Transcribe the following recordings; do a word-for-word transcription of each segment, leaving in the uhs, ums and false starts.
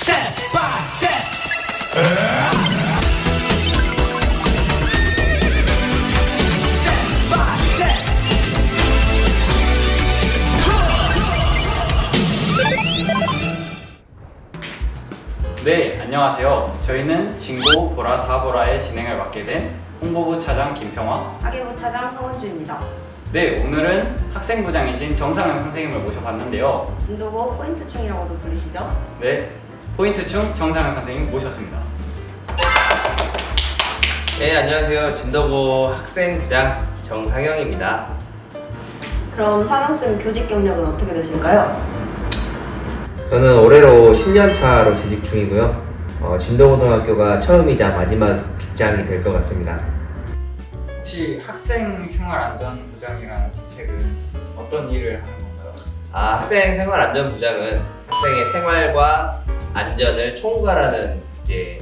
Step by step. Step by step. 네, 안녕하세요. 저희는 진고 보라 다 보라의 진행을 맡게 된 홍보부 차장 김평화. 학예부 차장 허원주입니다. 네, 오늘은 학생부장이신 정상영 선생님을 모셔봤는데요. 진도고 포인트충이라고도 불리시죠? 네, 포인트충 정상영 선생님 모셨습니다. 네, 안녕하세요. 진도고 학생부장 정상영입니다. 그럼 상영쌤 교직 경력은 어떻게 되실까요? 저는 올해로 십 년 차로 재직 중이고요. 어, 진도고등학교가 처음이자 마지막 직장이 될 것 같습니다. 혹시 학생생활안전부장이라는 직책은 어떤 일을 하는 건가요? 아, 학생생활안전부장은 학생의 생활과 안전을 총괄하는 이제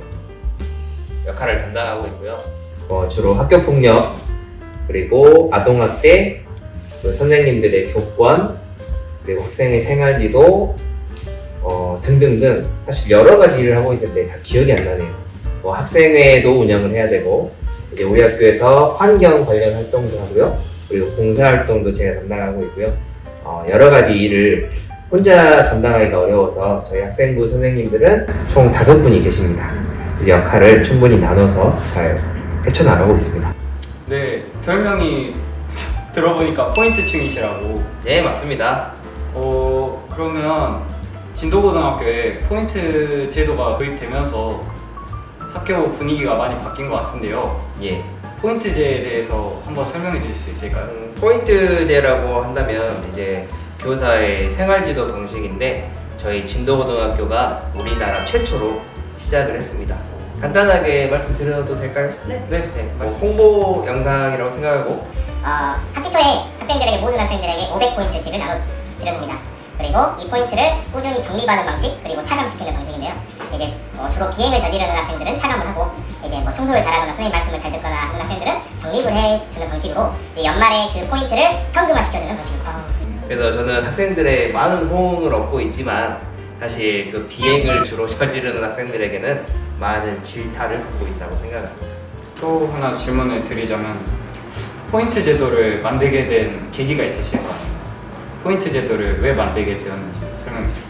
역할을 담당하고 있고요. 어, 주로 학교폭력, 그리고 아동학대, 그리고 선생님들의 교권, 그리고 학생의 생활지도 어, 등등등 사실 여러 가지 일을 하고 있는데 다 기억이 안 나네요. 뭐 학생회도 운영을 해야 되고, 이제 우리 학교에서 환경 관련 활동도 하고요. 그리고 봉사활동도 제가 담당하고 있고요. 어, 여러 가지 일을 혼자 감당하기가 어려워서 저희 학생부 선생님들은 총 다섯 분이 계십니다. 이제 역할을 충분히 나눠서 잘 헤쳐나가고 있습니다. 네, 별명이 들어보니까 포인트충이시라고. 네, 맞습니다. 어, 그러면 진도고등학교에 포인트 제도가 도입되면서 학교 분위기가 많이 바뀐 것 같은데요. 예. 포인트제에 대해서 한번 설명해 주실 수 있을까요? 음, 포인트제라고 한다면 이제 교사의 생활지도 방식인데 저희 진도고등학교가 우리나라 최초로 시작을 했습니다. 간단하게 말씀드려도 될까요? 네. 네, 네, 뭐 말씀. 홍보 영상이라고 생각하고 어, 학기 초에 학생들에게 모든 학생들에게 오백 포인트씩을 나눠드렸습니다. 그리고 이 포인트를 꾸준히 적립하는 방식 그리고 차감시키는 방식인데요. 이제 어, 주로 비행을 저지르는 학생들은 차감을 하고 이제 뭐 청소를 잘하거나 선생님 말씀을 잘 듣거나 하는 학생들은 적립을 해주는 방식으로 이제 연말에 그 포인트를 현금화시켜주는 방식입니다. 그래서 저는 학생들의 많은 호응을 얻고 있지만 사실 그 비행을 주로 저지르는 학생들에게는 많은 질타를 받고 있다고 생각합니다. 또 하나 질문을 드리자면 포인트 제도를 만들게 된 계기가 있으실까요? 포인트 제도를 왜 만들게 되었는지 설명해 주세요.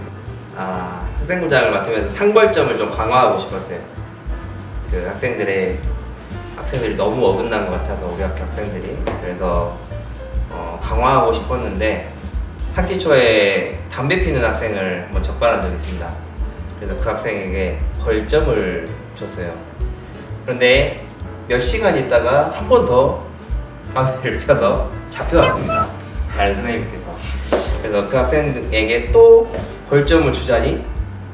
아, 학생부장을 맡으면서 상벌점을 좀 강화하고 싶었어요. 그 학생들의 학생들이 너무 어긋난 것 같아서 우리 학교 학생들이 그래서 어, 강화하고 싶었는데 학기 초에 담배 피는 학생을 한번 적발한 적이 있습니다. 그래서 그 학생에게 벌점을 줬어요. 그런데 몇 시간 있다가 한 번 더 담배를 펴서 잡혀왔습니다. 다른 선생님께서. 그래서 그 학생에게 또 벌점을 주자니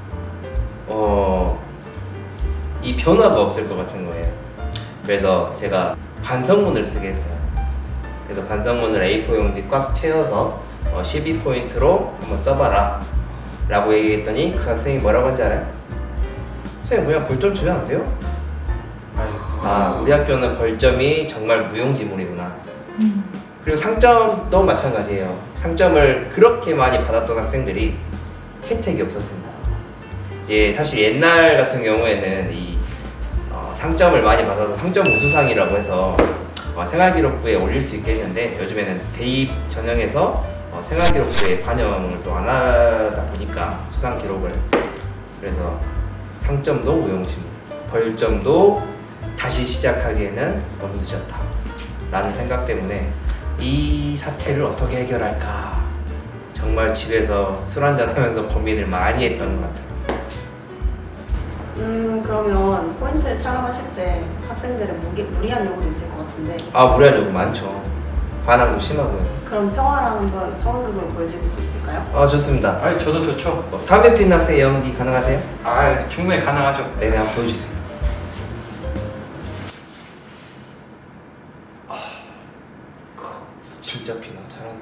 어, 이 변화가 없을 것 같은 거예요. 그래서 제가 반성문을 쓰게 했어요. 그래서 반성문을 에이 사 용지 꽉 채워서 어, 십이 포인트로 한번 써봐라 라고 얘기했더니 그 학생이 뭐라고 한지 알아요? 선생님 그냥 벌점 주면 안 돼요? 아, 우리 학교는 벌점이 정말 무용지물이구나. 그리고 상점도 마찬가지예요. 상점을 그렇게 많이 받았던 학생들이 혜택이 없었습니다. 예, 사실 옛날 같은 경우에는 이 어, 상점을 많이 받아서 상점 우수상이라고 해서 어, 생활기록부에 올릴 수 있겠는데 요즘에는 대입 전형에서 어, 생활기록부에 반영을 또 안 하다 보니까 수상 기록을 그래서 상점도 무용지물, 벌점도 다시 시작하기에는 너무 늦었다 라는 생각 때문에 이 사태를 어떻게 해결할까 정말 집에서 술 한잔 하면서 고민을 많이 했던 것 같아요. 음 그러면 포인트를 차감하실 때 학생들의 무리, 무리한 요구도 있을 것 같은데 아, 무리한 요구 많죠. 반항도 심하고요. 그럼 평화를 한번 상황극으로 보여줄 수 있을까요? 아, 좋습니다. 아, 저도 좋죠. 어, 담배 피는 학생 연기 가능하세요? 아, 충분히 가능하죠. 네, 한번 보여주세요. 아, 진짜 피나 잘하네.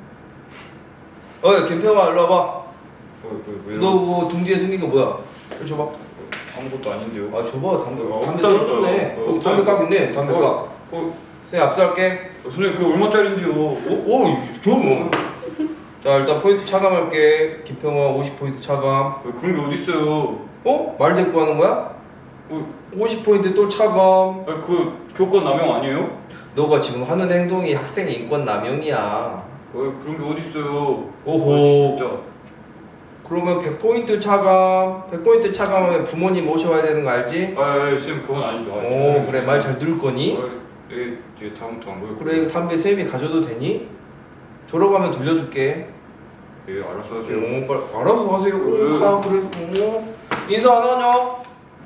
어이, 김평아, 일로 와봐. 왜, 너 그거 등 뒤에 숨긴 거 뭐야? 이거 줘봐. 아무것도 아닌데요. 아, 줘봐. 담배. 어, 담배 없다니까요. 떨어졌네. 어, 여기 담배 깍 있네. 담배 깍. 어, 선생님, 압수할게. 선생님 그 얼마짜린데요? 오, 오, 줘 뭐. 자 일단 포인트 차감할게. 김평화 오십 포인트 차감. 왜 그런 게 어딨어요? 어? 말 대꾸 하는 거야? 어, 오십 포인트 또 차감. 아, 그 교권 남용 아니에요? 너가 지금 하는 행동이 학생 인권 남용이야. 왜 그런 게 어딨어요? 오호. 아, 진짜. 그러면 백 포인트 차감. 백 포인트 차감하면 부모님 모셔와야 되는 거 알지? 아, 아, 쌤 그건 아니죠. 아, 오 죄송해요. 그래 말 잘 들을 거니? 아, 예, 예, 다음부터 안 그래요. 그래 이거 담배 쌤이 가져도 되니? 졸업하면 돌려줄게. 예, 알았어 하세요. 오, 빨리 알아서 하세요. 네. 오, 가 그래. 오. 인사 안 하냐?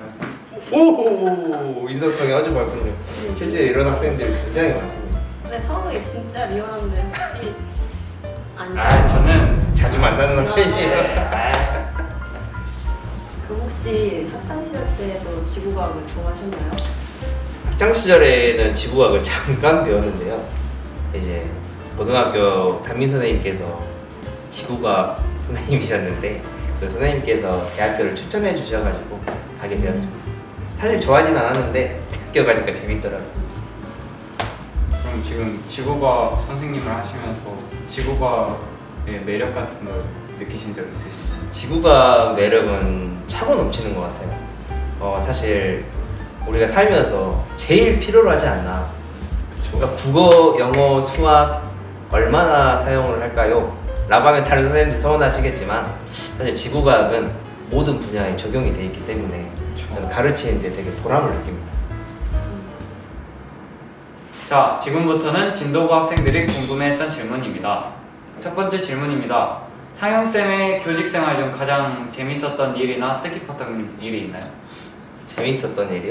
오 인사성이 아주 밝군요. 실제 이런 학생들이 굉장히 많습니다. 근데 성악이 진짜 리얼한데 혹시 아니죠? 아, 저는 자주 만나는 학생이에요. 아, 그럼 혹시 학창 시절 때도 지구과학을 좋아하셨나요? 학창 시절에는 지구학을 잠깐 배웠는데요. 이제 고등학교 담임 선생님께서 지구과학 선생님이셨는데 그 선생님께서 대학교를 추천해 주셔가지고 가게 되었습니다. 사실 좋아하진 않았는데 대학교 가니까 재밌더라고요. 그럼 지금 지구과학 선생님을 하시면서 지구과학의 매력 같은 걸 느끼신 적 있으신지? 지구과학 매력은 차고 넘치는 것 같아요. 어, 사실 우리가 살면서 제일 필요로 하지 않나. 그러니까 국어, 영어, 수학 얼마나 사용을 할까요? 라고 하면 다른 선생님들 서운하시겠지만 사실 지구과학은 모든 분야에 적용이 되어 있기 때문에 저는 가르치는 데 되게 보람을 느낍니다. 자, 지금부터는 진도고 학생들이 궁금해했던 질문입니다. 첫 번째 질문입니다. 상영쌤의 교직생활 중 가장 재밌었던 일이나 뜻깊었던 일이 있나요? 재밌었던 일이요?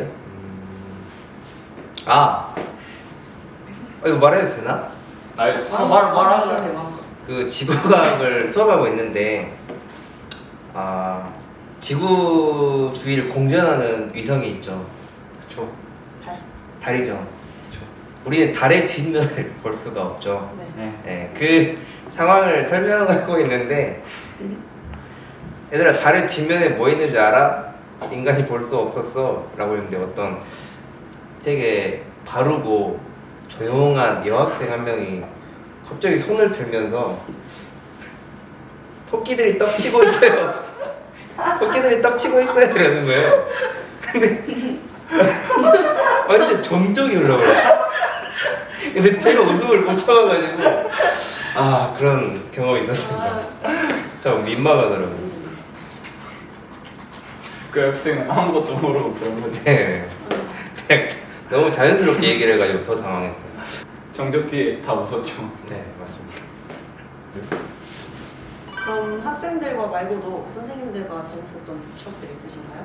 아! 어, 이거 말해도 되나? 아, 말, 말하셔야 돼요. 돼요. 그 지구과학을 수업하고 있는데 아 지구 주위를 공전하는 위성이 있죠. 그쵸. 달. 달이죠. 그쵸. 우리는 달의 뒷면을 볼 수가 없죠. 네. 네. 네, 그 상황을 설명하고 있는데 얘들아 달의 뒷면에 뭐 있는지 알아? 인간이 볼 수 없었어 라고 했는데 어떤 되게 바르고 조용한 여학생 한 명이 갑자기 손을 들면서 토끼들이 떡치고 있어요. 토끼들이 떡치고 있어야 되는 거예요. 근데 완전 정적이 흘러버렸어. 근데 제가 웃음을 못 참아가지고 아 그런 경험이 있었습니다. 진짜 민망하더라고요. 그 학생은 아무것도 모르고 그런 건데 네. 그냥 너무 자연스럽게 얘기를 해가지고 더 당황했어요. 정적 뒤에 다 웃었죠. 네 맞습니다. 그럼 학생들과 말고도 선생님들과 재밌었던 추억들 있으신가요?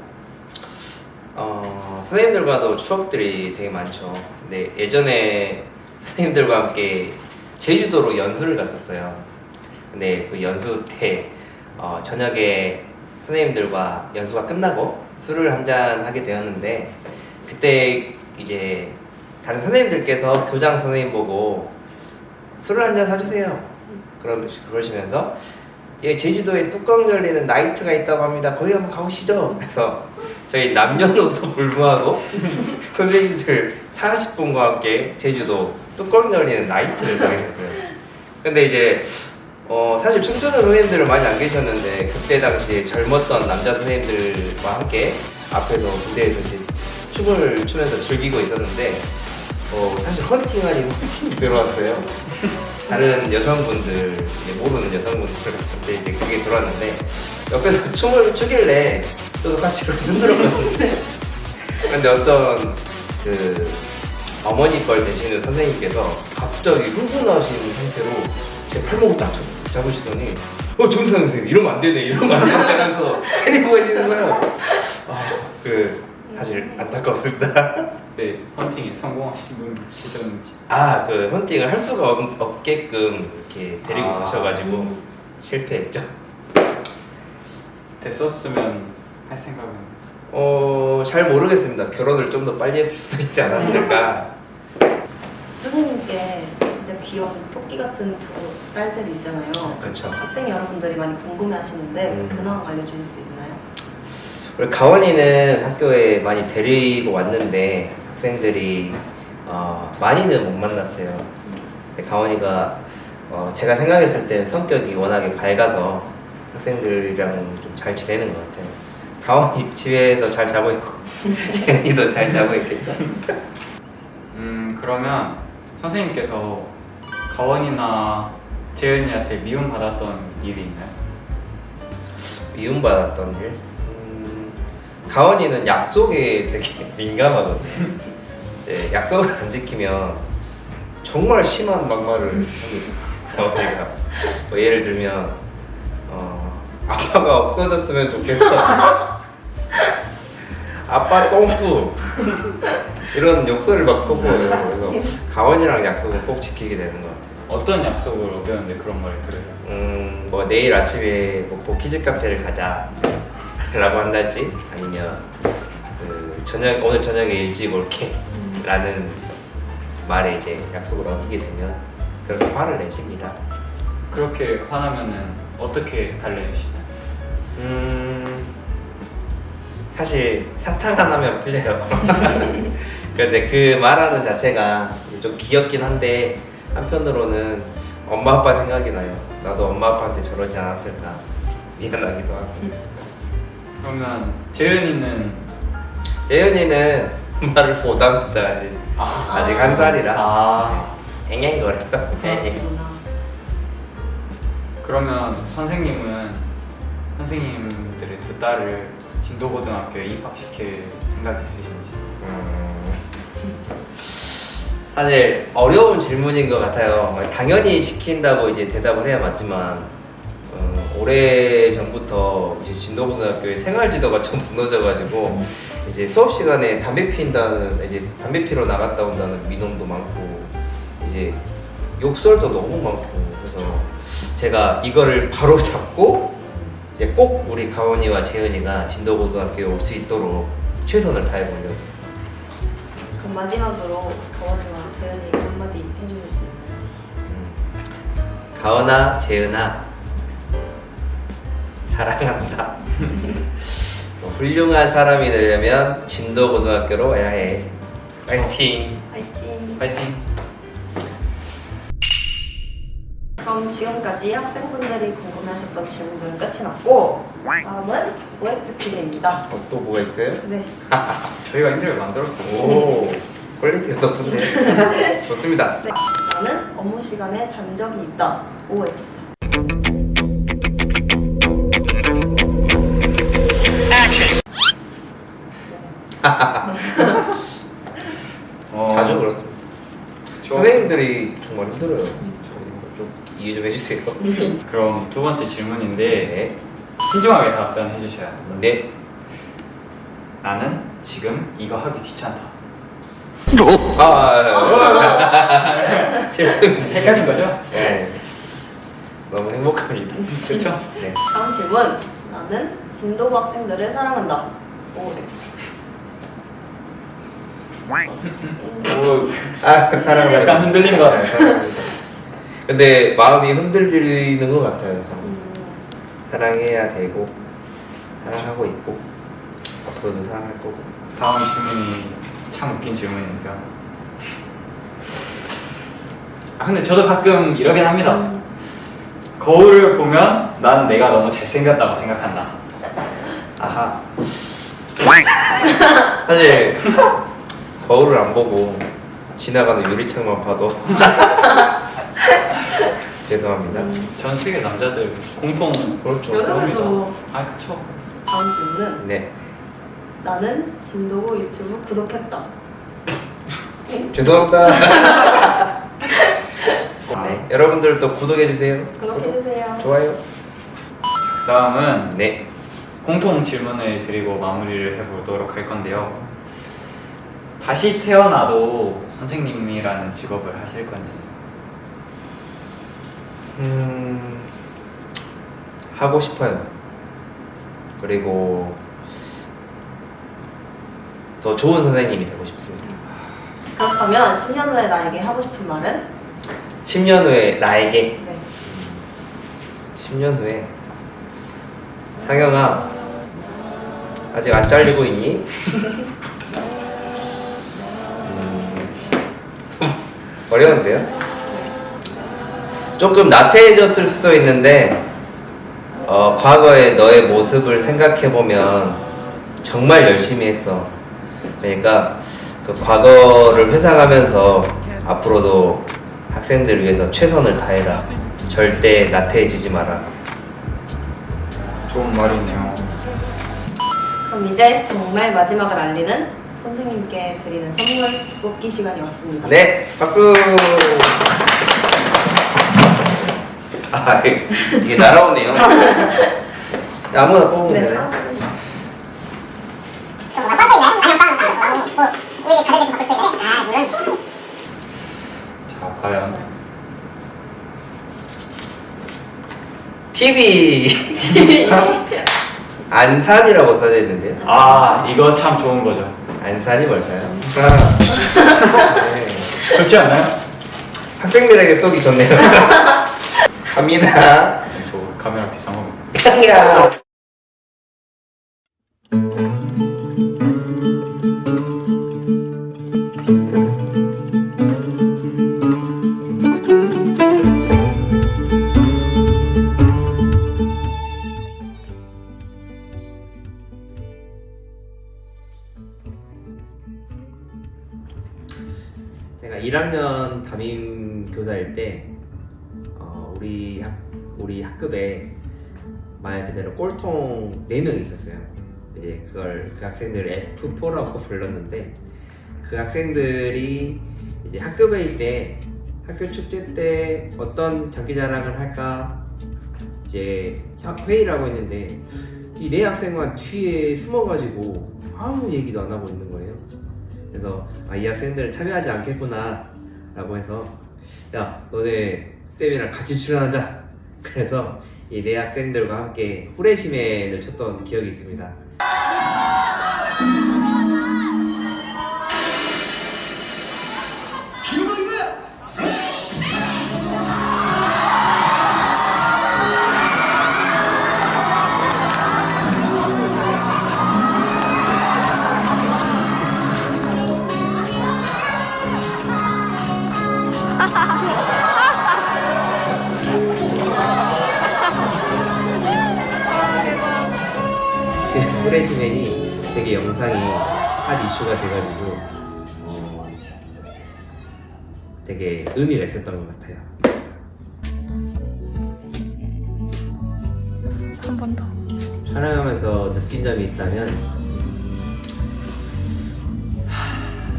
어, 선생님들과도 추억들이 되게 많죠. 근데 예전에 선생님들과 함께 제주도로 연수를 갔었어요. 근데 그 연수 때 어, 저녁에 선생님들과 연수가 끝나고 술을 한잔 하게 되었는데 그때 이제 다른 선생님들께서 교장 선생님 보고 술을 한잔 사주세요. 그러, 그러시면서 예, 제주도에 뚜껑 열리는 나이트가 있다고 합니다. 거기 한번 가보시죠. 그래서 저희 남녀노소 불문하고 선생님들 사십 분과 함께 제주도 뚜껑 열리는 나이트를 가게 됐어요. 근데 이제 어, 사실 춤추는 선생님들은 많이 안 계셨는데 그때 당시에 젊었던 남자 선생님들과 함께 앞에서 무대에서 이제 춤을 추면서 즐기고 있었는데 어, 사실 헌팅 아닌 헌팅이 들어왔어요. 다른 여성분들, 이제 모르는 여성분들한테 이제 그게 들어왔는데 옆에서 춤을 추길래 저도 같이 그렇게 흔들었거든요. 근데 어떤 그 어머니 걸 되시는 선생님께서 갑자기 흥분하신 상태로 제 팔목을 딱 잡으시더니 어 정상 선생님 이러면 안 되네 이러면 안 되네 하면서 때리고 계시는 거예요. 아, 그 사실 안타깝습니다. 네, 헌팅에 성공하신 분 계셨는지. 아, 그 헌팅을 할 수가 없, 없게끔 이렇게 데리고 아. 가셔가지고 실패했죠. 됐었으면 할 생각은. 어, 잘 모르겠습니다. 결혼을 좀 더 빨리 했을 수도 있지 않았을까. 선생님께 진짜 귀여운 토끼 같은 두 딸들이 있잖아요. 그렇죠. 학생 여러분들이 많이 궁금해하시는데 음. 근황 알려주실 수 있나요? 우리 가원이는 학교에 많이 데리고 왔는데 학생들이 어, 많이는 못 만났어요. 근데 가원이가 어, 제가 생각했을 때 성격이 워낙에 밝아서 학생들이랑 좀 잘 지내는 것 같아요. 가원이 집에서 잘 자고 있고 재현이도 잘 자고 있겠죠. 음 그러면 선생님께서 가원이나 재은이한테 미움받았던 일이 있나요? 미움받았던 일? 음, 가원이는 약속에 되게 민감하거든요. 이제 약속을 안 지키면 정말 심한 막말을 합니다. 가원이가 뭐 예를 들면 어, 아빠가 없어졌으면 좋겠어. 아빠 똥꾸 이런 욕설을 막 퍼부어요. 그래서 가원이랑 약속은 꼭 지키게 되는 것 같아요. 어떤 약속을 어겼는데 그런 말을 들으세요? 음, 뭐 내일 아침에 뭐 보키즈 카페를 가자 라고 한달지 아니면 그 저녁 오늘 저녁에 일찍 올게 라는 말에 이제 약속을 어기게 되면 그렇게 화를 내십니다. 그렇게 화나면은 어떻게 달래주시나요? 음, 사실 사탕 하나면 풀려요. 근데 그 말하는 자체가 좀 귀엽긴 한데 한편으로는 엄마 아빠 생각이 나요. 나도 엄마 아빠한테 저러지 않았을까 미안하기도 하고. 그러면 재은이는 재현이는 말을 못합니다. 아직 아, 아직 한 살이라 아 앵앵거려. 그렇구나. 그러면 선생님은 선생님들의 두 딸을 진도고등학교에 입학시킬 생각이 있으신지? 음, 사실 어려운 질문인 것 같아요. 당연히 시킨다고 이제 대답을 해야 맞지만 음, 오래 전부터 이제 진도고등학교의 생활지도가 좀 무너져가지고 이제 수업 시간에 담배 피운다는 이제 담배 피러 나갔다 온다는 민원도 많고 이제 욕설도 너무 많고 그래서 제가 이거를 바로 잡고 이제 꼭 우리 가원이와 재은이가 진도고등학교에 올 수 있도록 최선을 다해보려고. 그럼 마지막으로 가원이와 재현이에게 한마디 해주실 수 있나요? 음. 가원아, 재은아, 사랑한다. 뭐 훌륭한 사람이 되려면 진도고등학교로 와야 해. 파이팅. 파이팅! 파이팅! 그럼 지금까지 학생분들이 궁금해하셨던 질문들은 끝이 났고 다음은 오엑스 퀴즈입니다. 어, 또 뭐가 있어요? 네, 저희가 인터뷰 만들었어요. 오, 퀄리티가 높은데. 좋습니다. 네. 나는 업무 시간에 잔 적이 있다. 오엑스. 어, 자주 그렇습니다. 좀- 선생님들이 정말 힘들어요. 저희 좀 이해 좀 해주세요. 그럼 두 번째 질문인데 네. 신중하게 답변해 주셔야 돼요. 네. 나는 지금 이거 하기 귀찮다. 아, 아, 아. 실수입니다. 헷갈린 거죠? 네. 너무 행복합니다. 그렇죠? 네. 다음 질문. 나는 진도고 학생들을 사랑한다. 오엑스. 오, 아, 사랑을 약간 흔들린 것 같아요. 사랑합니다. 근데 마음이 흔들리는 것 같아요. 저는. 음, 사랑해야 되고 사랑하고 있고 앞으로도 사랑할 거고. 다음 질문이 참 웃긴 질문이니까. 아 근데 저도 가끔 이러긴 합니다. 음, 거울을 보면 난 내가 너무 잘생겼다고 생각한다. 아하. 사실 거울을 안 보고 지나가는 유리창만 봐도 죄송합니다. 음. 전 세계 남자들 공통 그렇죠. 여자들도 아 그쵸. 다음 질문은 네. 나는 진도고 유튜브 구독했다. 죄송합니다. 네. 여러분들도 구독해 주세요. 구독해주세요. 좋아요. 다음은 네. 공통 질문을 드리고 마무리를 해보도록 할 건데요. 다시 태어나도 선생님이라는 직업을 하실 건지. 음, 하고 싶어요. 그리고 더 좋은 선생님이 되고 싶습니다. 그렇다면 십 년 후에 나에게 하고 싶은 말은? 십 년 후에 나에게 네. 십 년 후에 상영아 아직 안 잘리고 있니? 음, 어려운데요? 조금 나태해졌을 수도 있는데 어, 과거의 너의 모습을 생각해보면 정말 열심히 했어. 그러니까 그 과거를 회상하면서 앞으로도 학생들을 위해서 최선을 다해라. 절대 나태해지지 마라. 좋은 말이네요. 그럼 이제 정말 마지막을 알리는 선생님께 드리는 선물 뽑기 시간이 왔습니다. 네, 박수. 아, 이게 날아오네요. 아무나 뽑으면 네. 되네. 좀 뭔가 써져 있나요? 아니요, 빵. 어, 뭐 우리 이제 가져다 바꿀 수 있는데. 아, 물론. 자, 과연 티비. 안산이라고 써져 있는데요. 아 이거 참 좋은 거죠. 안산이 뭘까요? 아, 네. 좋지 않나요? 학생들에게 쏘기 좋네요. 갑니다. 저 카메라 비싼 거. 야. 제가 일 학년 담임 교사일 때 어, 우리 학 우리 학급에 말 그대로 꼴통 네 명 있었어요. 이제 그걸 그 학생들을 에프 포라고 불렀는데 그 학생들이 이제 학급회의 때 학교 축제 때 어떤 장기자랑을 할까 이제 회의를 하고 있는데 이 네 학생만 뒤에 숨어가지고 아무 얘기도 안 하고 있는 거예요. 그래서 아, 이 학생들은 참여하지 않겠구나 라고 해서 야 너네 쌤이랑 같이 출연하자. 그래서 이 네 학생들과 함께 후레시맨을 쳤던 기억이 있습니다. 그 후레시맨이 되게 영상이 핫 이슈가 돼가지고 어, 되게 의미가 있었던 것 같아요. 한 번 더. 촬영하면서 느낀 점이 있다면 하,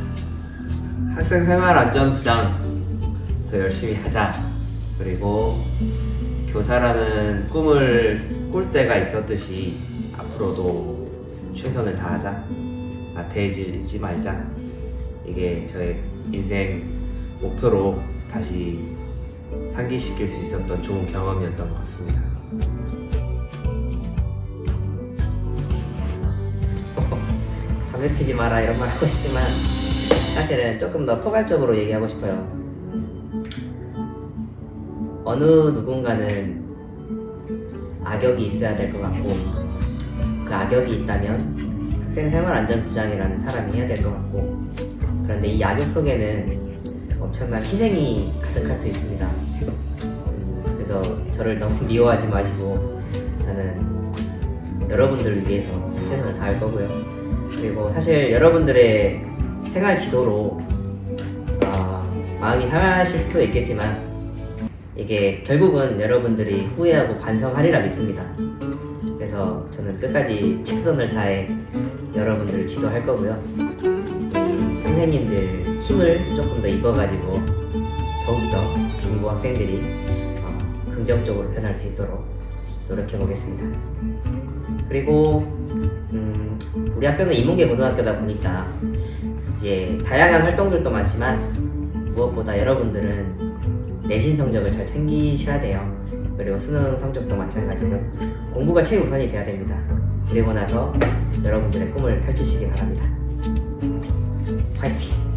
학생생활안전부장 더 열심히 하자. 그리고 교사라는 꿈을 꿀 때가 있었듯이 앞으로도 최선을 다하자. 나태해지지 말자. 이게 저의 인생 목표로 다시 상기시킬 수 있었던 좋은 경험이었던 것 같습니다. 담배 피지 마라 이런 말 하고 싶지만 사실은 조금 더 포괄적으로 얘기하고 싶어요. 어느 누군가는 악역이 있어야 될 것 같고 그 악역이 있다면 학생생활안전부장이라는 사람이 해야 될 것 같고 그런데 이 악역 속에는 엄청난 희생이 가득할 수 있습니다. 음, 그래서 저를 너무 미워하지 마시고 저는 여러분들을 위해서 최선을 다할 거고요. 그리고 사실 여러분들의 생활 지도로 어, 마음이 상하실 수도 있겠지만 이게 결국은 여러분들이 후회하고 반성하리라 믿습니다. 그래서 저는 끝까지 최선을 다해 여러분들을 지도할 거고요. 이 선생님들 힘을 조금 더 입어가지고 더욱더 진고 학생들이 어, 긍정적으로 변할 수 있도록 노력해 보겠습니다. 그리고 음, 우리 학교는 인문계 고등학교다 보니까 이제 다양한 활동들도 많지만 무엇보다 여러분들은 내신 성적을 잘 챙기셔야 돼요. 그리고 수능 성적도 마찬가지고 공부가 최우선이 돼야 됩니다. 그리고 나서 여러분들의 꿈을 펼치시기 바랍니다. 화이팅!